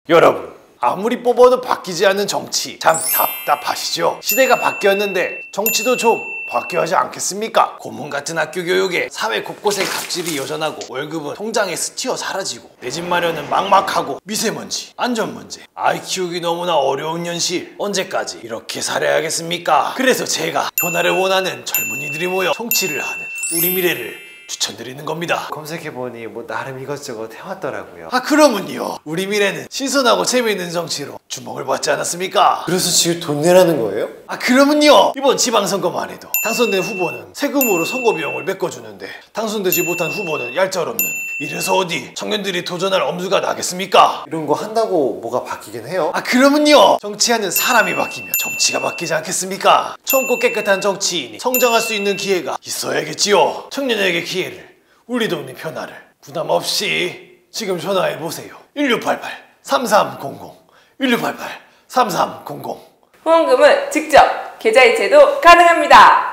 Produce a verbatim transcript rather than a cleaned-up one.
여러분, 아무리 뽑아도 바뀌지 않는 정치 참 답답하시죠? 시대가 바뀌었는데 정치도 좀 바뀌어야지 않겠습니까? 고문 같은 학교 교육에 사회 곳곳에 갑질이 여전하고 월급은 통장에 스치어 사라지고 내 집 마련은 막막하고 미세먼지, 안전 문제, 아이 키우기 너무나 어려운 현실 언제까지 이렇게 살아야겠습니까? 그래서 제가 변화를 원하는 젊은이들이 모여 정치를 하는 우리 미래를 추천드리는 겁니다. 검색해보니 뭐 나름 이것저것 해왔더라고요. 아 그러면요, 우리 미래는 신선하고 재미있는 정치로 주목을 받지 않았습니까? 그래서 지금 돈 내라는 거예요? 아 그러면요, 이번 지방선거만 해도 당선된 후보는 세금으로 선거 비용을 메꿔주는데 당선되지 못한 후보는 얄짤없는, 이래서 어디 청년들이 도전할 엄두가 나겠습니까? 이런 거 한다고 뭐가 바뀌긴 해요? 아 그러면요, 정치하는 사람이 바뀌면 정치가 바뀌지 않겠습니까? 젊고 깨끗한 정치인이 성장할 수 있는 기회가 있어야겠지요. 청년에게 기회를, 우리 동네 변화를 부담 없이 지금 전화해보세요. 일육팔팔 삼삼공공 일육팔팔 삼삼공공. 후원금은 직접 계좌이체도 가능합니다.